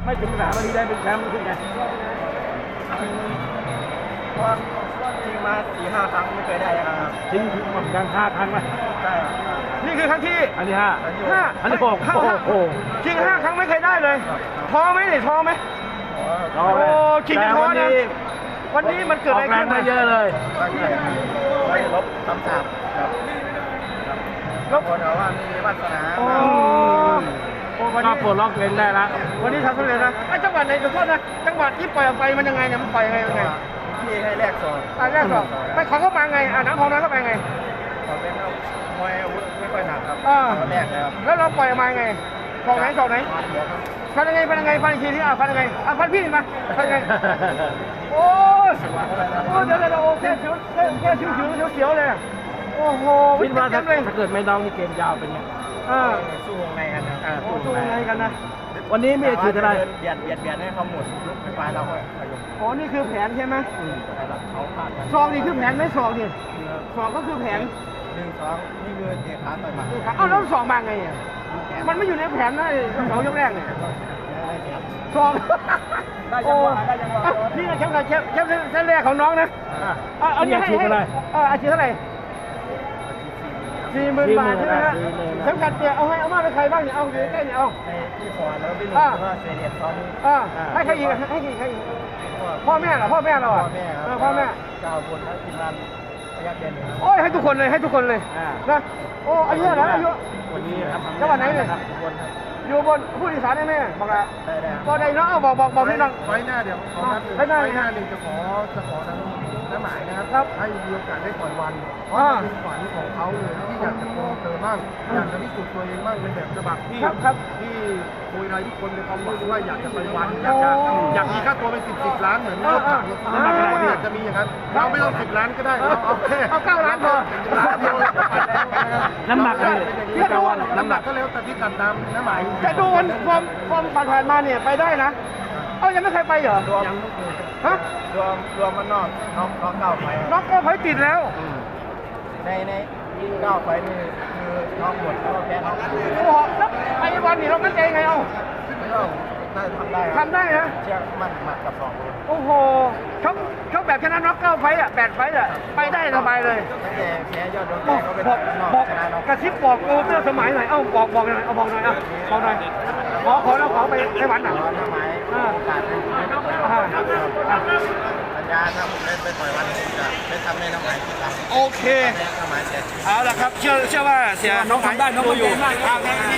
ไม่ถึง3 นาทีได้เป็นแชมป์ขึ้นไงเพราะจริงมา4-5 ครั้งไม่เคยได้ครับจริงเหมือนกัน5 ครั้งไหมใช่นี่คือครั้งที่อันที่5อันที่6โอ้จริง5 ครั้งไม่เคยได้เลยท้อไหมเนี่ยท้อไหมโอ้จริงท้อนะวันนี้มันเกิดอะไรขึ้นมาเยอะเลยไม่ลบคำสาปครับลบคนเอาว่ามีวาสนาก็ปลดล็อกเล่นได้แล้ววันนี้ทำสำเร็จนะไอ้จังหวัดไหนขอโทษนะจังหวัดที่ปล่อยออกไปมันยังไงเนี่ยมันปล่อยยังไงที่ให้แรกสอนแรกสอนไปเขาเข้ามาไงน้ำของน้ำเข้าไปไงเขาเป็นมวยอาวุธไม่ค่อยหนักครับแรกเลยครับแล้วเราปล่อยออกมาไงสองไหนฟันยังไงฟันอีกทีที่ฟันยังไงฟันพี่มาฟันยังไงโอ้เดี๋ยวโอเคแค่ชิวเสียวเลยโอ้โหคิดว่าถ้าเกิดไม่น้องนี่เกมยาวเป็นไงสู้วงในกันนะสู้วงในกันนะวันนี้มีถืออะไรเบียดให้เขาหมดลุกไปเราก็อ๋อนี่คือแผนใช่ไหมเขาพลาดซองนี่คือแผนไม่ซองนี่ซองก็คือแผน 1-2นี่คือเตะขาต่อยหมัดแล้วซองมาไงอ่ะมันไม่อยู่ในแผนนะเขายกแรกเนี่ยซองโอ้นี่แชมป์แรกของน้องนะอันนี้ให้อาชีพเท่าไหร่40,000 บาทใช่ไหมฮะแชมป์กันเตะเอามาไปใครบ้างเนี่ยเอาอยู่ใกล้เนี่ยเอาพี่ฟอร์แล้วพี่หนุ่มก็เซเรียสตอนนี้ให้ใครอีกพ่อแม่เหรอพ่อแม่เราอ่ะพ่อแม่ 9 คนแล้วทีมงานพยักเด่นโอ้ยให้ทุกคนเลยนะโอ้อายุเท่าไหร่อายุวันนี้จังหวัดไหนเนี่ยอยู่บนผู้อีสานได้ไหมบอกละก็ได้เนาะบอกพี่น้องไว้หน้าเดี๋ยวไว้หน้าหนึ่งจะขอน้ำหมายนะครับให้มีโอกาสได้ก่อนวันเพราะเป็นฝันของเขาเลยที่อยากจะโกงเติมบ้างอยากจะพิสูจน์ตัวเองบ้างเป็นแบบฉบับที่คุยอะไรทุกคนในความหวังว่าอยากจะไปวันอยากมีค่าตัวเป็น10 ล้านเหมือนเราอยากจะมีอย่างนั้นเราไม่ต้อง10 ล้านก็ได้เอา9 ล้านพอน้ำหนักเลยน้ำหนักก็แล้วแต่ที่ตัดตามน้ำหมายจะดูความผ่านมาเนี่ยไปได้นะยังไม่เคยไปเหรอฮะรวมมันนอก9 ไฟน็อก9 ไฟติดแล้วใน9 ไฟนี่คือน็อกหมดแล้วแพ้น็อกโอ้โหแล้วไปวันนี้เรามั่นใจไงเอ้าน่าจะทำได้นะเชื่อมั่นหมัดกับ2 โอ้โหชกแบบชนะน็อก9 ไฟอ่ะ8 ไฟอ่ะไปได้สบายเลยแต่แพ้ยอดโดนแพ้ก็เป็นบอกกระซิบบอกโอ้เสื้อสมัยหน่อยบอกหน่อยบอกหน่อยขอแล้วขอไปวันหนังน้ำหมายสัญญาถ้าผมเล่นไปต่อยวันจะไม่ทำให้น้ำหมายโอเคเอาละครับเชื่อว่าเสียน้องทำได้น้องอยู่